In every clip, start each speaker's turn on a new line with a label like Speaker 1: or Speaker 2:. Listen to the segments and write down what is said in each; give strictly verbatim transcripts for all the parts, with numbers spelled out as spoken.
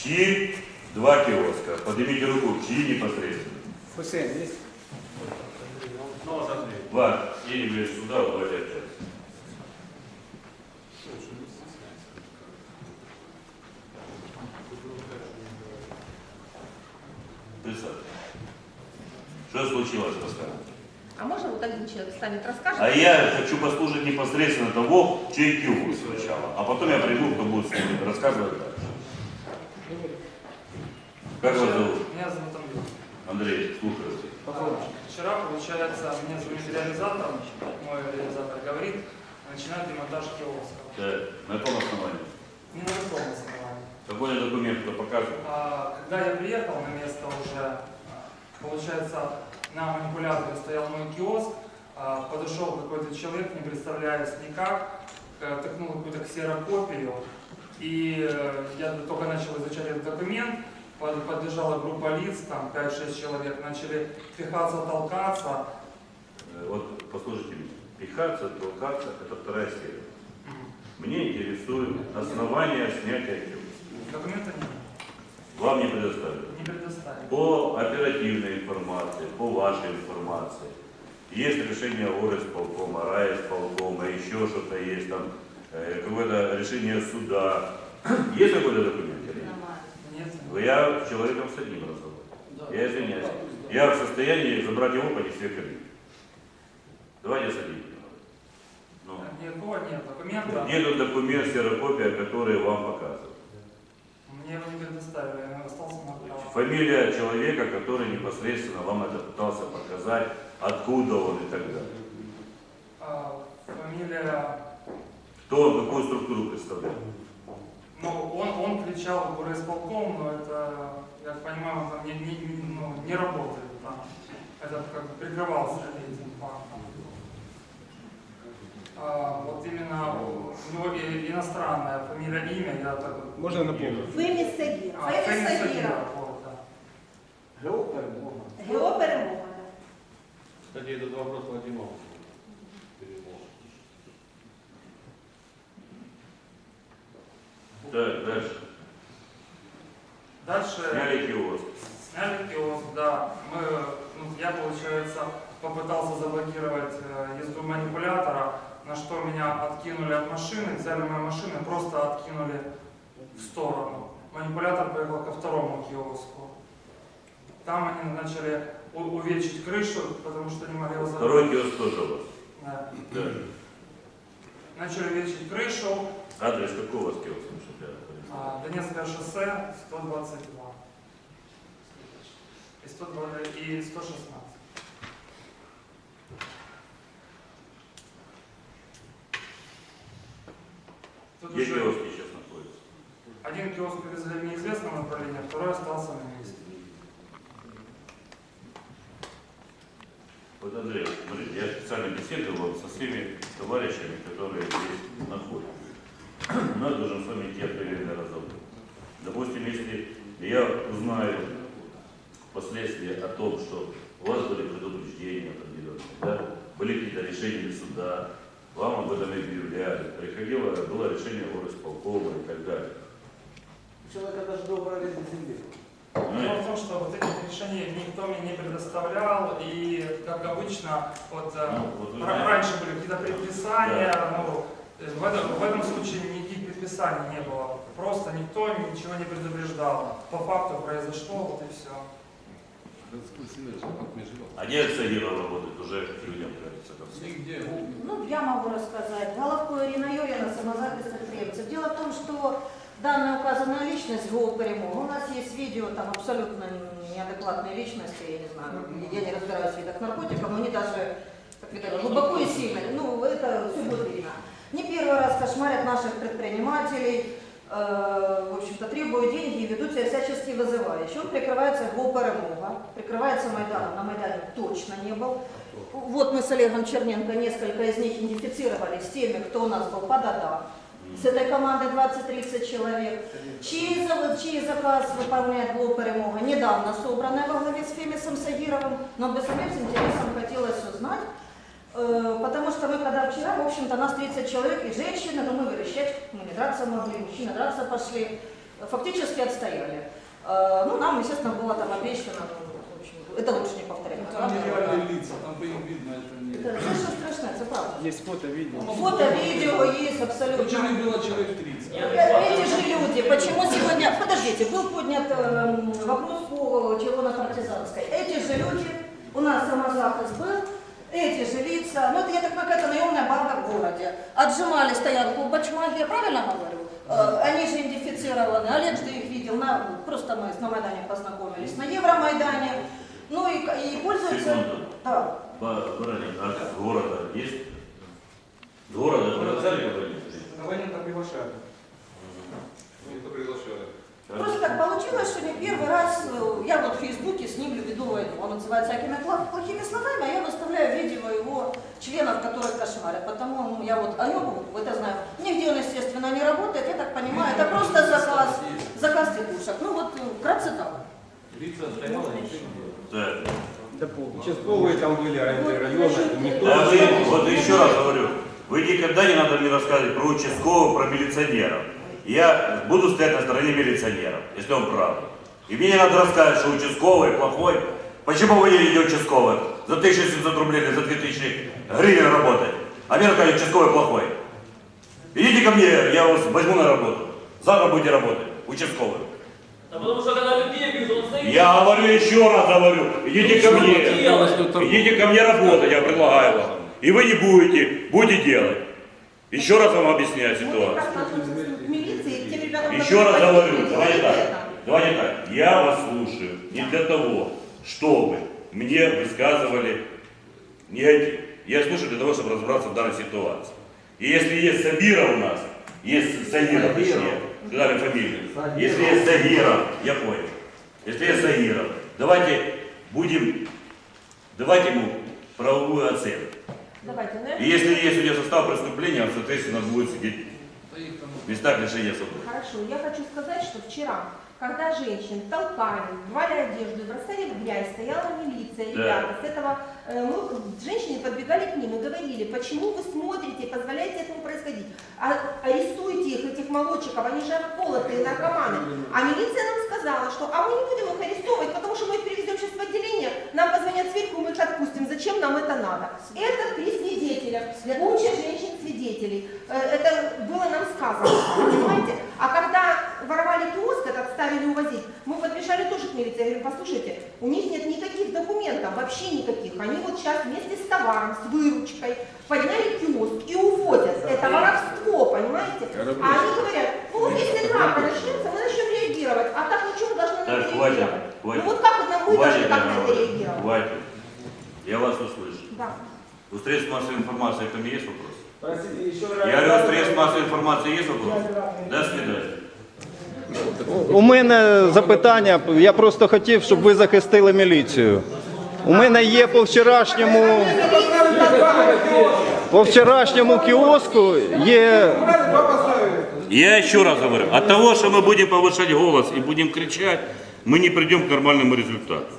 Speaker 1: Чьи? Два киоска. Поднимите руку, чьи непосредственно?
Speaker 2: Хусейн есть?
Speaker 1: Два. Едем ближе сюда, давайте общаться. Представьте. Что случилось, расскажите?
Speaker 3: А можно вот один человек встанет, расскажет?
Speaker 1: А я хочу послушать непосредственно того, чей киоск сначала. А потом я приду, кто будет рассказывать дальше. Как вас зовут?
Speaker 4: Меня зовут Андрей.
Speaker 1: Андрей, слушаю.
Speaker 4: Вчера, получается, мне звонит реализатор, мой реализатор говорит, начинает демонтаж киоска.
Speaker 1: Да. На каком основании?
Speaker 4: Не на каком основании.
Speaker 1: Какой документ кто показывает?
Speaker 4: А, когда я приехал на место уже, получается, на манипуляторе стоял мой киоск, а, подошел какой-то человек, не представляясь никак, тыкнул какую-то ксерокопию, и э, я только начал изучать этот документ. Подбежала группа лиц, там пять-шесть человек, начали пихаться, толкаться.
Speaker 1: Вот послушайте меня. Пихаться, толкаться – это вторая серия. Мне интересует основание снятия киоска.
Speaker 4: Документа нет.
Speaker 1: Вам не предоставили?
Speaker 4: Не предоставили.
Speaker 1: По оперативной информации, по вашей информации. Есть решение горисполкома, райисполкома, еще что-то есть, там э, какое-то решение суда. Есть какой-то документ?
Speaker 4: Нет.
Speaker 1: Я человеком с одним разговор. Я извиняюсь. Я в состоянии забрать его, пойти себе кабину. Давайте садитесь. Ну.
Speaker 4: Никакого нет документа.
Speaker 1: Где тут документ, ксерокопия, который вам показывает?
Speaker 4: Мне его не предоставили, я остался на право.
Speaker 1: Фамилия человека, который непосредственно вам это пытался показать, откуда он и так далее.
Speaker 4: А, фамилия...
Speaker 1: Кто он, какую структуру представляет?
Speaker 4: Ну, он, он кричал в горисполком, но это, я понимаю, он там не, не, не, ну, не работает там. Это как бы прикрывался этим фактом. А, вот именно у него иностранная фамилия, имя, я так вот...
Speaker 2: Можно напомнить?
Speaker 3: Феміс Сагір.
Speaker 4: А,
Speaker 3: Феміс
Speaker 4: Феміс
Speaker 3: Сагір.
Speaker 4: Сагір, вот, да.
Speaker 3: Гео перемога.
Speaker 5: Кстати, этот вопрос Вадима.
Speaker 1: Так, дальше.
Speaker 4: Дальше...
Speaker 1: Сняли киоск.
Speaker 4: Сняли киоск, да. Мы, ну, я, получается, попытался заблокировать э, езду манипулятора, на что меня откинули от машины, взяли мою машину и просто откинули в сторону. Манипулятор поехал ко второму киоску. Там они начали увеличить крышу, потому что не могли его закрыть.
Speaker 1: Второй киоск тоже у вас?
Speaker 4: Да.
Speaker 1: Да.
Speaker 4: Начали увеличить крышу.
Speaker 1: Адрес какого у вас киоска? Чтобы я понимал?
Speaker 4: А, Донецкое шоссе сто двадцать два. И, сто двадцать, и сто шестнадцать. Тут
Speaker 1: Где
Speaker 4: уже
Speaker 1: киоски сейчас находятся?
Speaker 4: один киоск привезли в неизвестном направлении, а второй остался на месте.
Speaker 1: Вот, Андрей, смотрите, я специально беседовал со всеми товарищами, которые здесь находятся. У нас должен с вами идти определенный разговор. Допустим, если я узнаю впоследствии о том, что у вас были предупреждения определенные, да, были какие-то решения суда, вам об этом объявляли, приходило, было решение горисполкома и так далее.
Speaker 6: Человека даже добрая аренда земли.
Speaker 4: Дело в том, что вот этих решений никто мне не предоставлял, и, как обычно, вот,
Speaker 1: Ну, вот вы
Speaker 4: ра-
Speaker 1: знаете.
Speaker 4: раньше были какие-то предписания,
Speaker 1: Да.
Speaker 4: ну, в этом, в этом случае никаких предписаний не было. Просто никто ничего не предупреждал. По факту произошло, вот и все.
Speaker 1: А где Сагиров работает, уже к людям, кажется, ко всем.
Speaker 5: Нигде.
Speaker 3: Ну, я могу рассказать. Головко Ирина Юрьевна, самозапись предприемцев. Дело в том, что данная указанная личность Гео перемога, у нас есть видео, там абсолютно неадекватные личности, я не знаю, я не разбираюсь в видах наркотиков, но они даже, как видно, глубоко и сильно, ну, это все будет видно. Не первый раз кошмарят наших предпринимателей, э, в общем-то, требуют деньги и ведут себя всячески вызывающе. Он прикрывается Гео перемога, прикрывается Майданом, на Майдане точно не был. Вот мы с Олегом Черненко несколько из них идентифицировали с теми, кто у нас был по датам. С этой командой двадцать-тридцать человек. Чей, чей заказ выполняет Гео перемога? Недавно собранная во главе с Фемисом Сагировым, но бы самим с интересом хотелось узнать, э, потому что мы когда вчера, в общем-то, нас тридцать человек и женщины, но мы верещать, мы не драться могли, мужчины драться пошли. фактически отстояли. Э, Ну, нам, естественно, было там обещано, ну, в общем, это лучше не повторять.
Speaker 2: Ну, там нереальные лица, там по им видно, это не...
Speaker 3: Это все, что страшно, это правда.
Speaker 6: Есть фото, видео.
Speaker 3: Фото, видео есть абсолютно.
Speaker 2: Причем их было человек тридцать.
Speaker 3: Эти же люди, почему сегодня, подождите, был поднят э, вопрос по Червоно-Партизанской. Эти же люди, у нас самозахист был, эти же лица, ну это, я так понимаю, это наемная банда в городе, отжимали стоянку в Бачмаге, я правильно говорю? Э, они же идентифицированы, Олег же их видел, на, просто мы на Майдане познакомились, на Евромайдане, ну и, и пользуются...
Speaker 1: Секунду.
Speaker 3: Да.
Speaker 1: Баранин, а с города есть? С города приглашали кого-нибудь?
Speaker 4: Абонента приглашают.
Speaker 5: Кто приглашали?
Speaker 3: Просто так получилось, что не первый раз э, я вот в Фейсбуке с ним веду войну. Он называется всякими пла- плохими словами, а я выставляю видео его членов, которых кошмарят. Потому ну, я вот о нем это знаю. Нигде он, естественно, не работает, я так понимаю. Это просто заказ, заказ текушек. Ну вот э, вкратце так.
Speaker 5: Лица стояла, ничего не делала.
Speaker 1: Так.
Speaker 6: Участковые там были, районы, никто...
Speaker 1: Да вы, вот еще раз говорю, вы никогда не надо мне рассказывать про участковых, про милиционеров. Я буду стоять на стороне милиционеров, если он прав. И мне не надо рассказывать, что участковый плохой. Почему вы не видите участковых? За тысячу семьсот рублей или за две тысячи гривен работать. А мне рассказывают, участковый плохой. Идите ко мне, я вас возьму на работу. Завтра будете работать, участковый.
Speaker 7: Да потому что когда людей бьют, он стоит.
Speaker 1: Я говорю еще раз, говорю, идите ко мне. Идите ко мне работать, я предлагаю вам. И вы не будете, будете делать. Еще раз вам объясняю ситуацию. Еще раз говорю, давайте так, давайте так. Я вас слушаю не для того, чтобы мне высказывали негатив. Я слушаю для того, чтобы разобраться в данной ситуации. И если есть Сабира у нас, есть Сагира, точнее, сказали фамилию. Если есть Сагира, я понял. Если есть Сагира, давайте будем, давайте ему правовую оценку.
Speaker 8: Давайте, наверное.
Speaker 1: И если есть у него состав преступления, он, соответственно, будет сидеть в местах лишения свободы.
Speaker 8: Хорошо, я хочу сказать, что вчера, когда женщин толкали, рвали одежду, бросали в грязь, стояла милиция,
Speaker 1: Да.
Speaker 8: ребята, с этого э, мы, женщины подбегали к ним и говорили, почему вы смотрите и позволяете этому происходить? А, арестуйте их, этих молодчиков, они же обколотые наркоманы. А милиция нам сказала, что а мы не будем их арестовывать, потому что мы их перевезем сейчас в отделение, нам позвонят сверху, мы их отпустим, зачем нам это надо? Это при свидетелях, куча женщин-свидетелей. Э, Это было нам сказано, понимаете? А когда воровали киоск, этот ставили увозить, мы подбежали тоже к милиции, я говорю, послушайте, у них нет никаких документов, вообще никаких. Они вот сейчас вместе с товаром, с выручкой подняли киоск и увозят. Это воровство, понимаете? А они говорят, ну вот если драка начнется, мы начнем реагировать, а так ничего должны на
Speaker 1: Так,
Speaker 8: это
Speaker 1: хватит,
Speaker 8: реагировать.
Speaker 1: хватит.
Speaker 8: Ну вот как это мы должны
Speaker 1: Хватит,
Speaker 8: как
Speaker 1: я
Speaker 8: на это
Speaker 1: говорю,
Speaker 8: реагировать?
Speaker 1: хватит. Я вас услышу.
Speaker 8: Да.
Speaker 1: У средств массовой информации ко мне есть вопрос?
Speaker 6: Простите, еще раз.
Speaker 1: Я говорю, у средств массовой информации есть вопрос? До свидания.
Speaker 9: У мене запитання, я просто хотів, щоб ви захистили міліцію. У мене є по вчорашньому, по вчорашньому кіоску є...
Speaker 1: Я еще раз говорю, от того, что мы будем повышать голос и будем кричать, мы не придем к нормальному результату.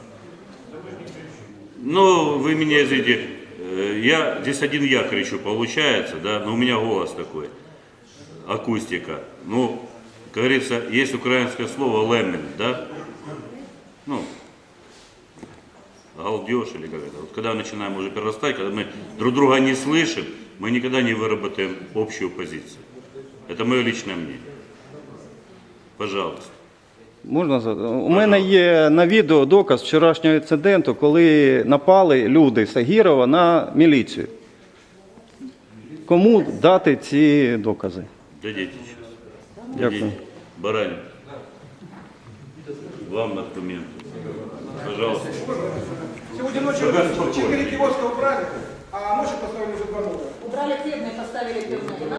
Speaker 1: Ну, вы меня извините, э, я здесь один я кричу, получается, да, но у меня голос такой, акустика. Ну, как говорится, есть украинское слово «лемминг», да, ну, галдеж или как это. Вот когда начинаем уже перерастать, когда мы друг друга не слышим, мы никогда не выработаем общую позицию. Это мое личное мнение. Пожалуйста.
Speaker 9: Можна за- У мене є на відео доказ вчорашнього інциденту, коли напали люди з Агірова на міліцію. Кому дати ці докази?
Speaker 1: Дадите сейчас.
Speaker 9: Дякую.
Speaker 1: Дадите. Баранин. Вам документы. Пожалуйста.
Speaker 2: Сегодня ночью
Speaker 1: Пока спокойно.
Speaker 2: четыре киоска убрали, а ночью поставили уже два новых.
Speaker 3: Убрали хлебные, поставили пивные.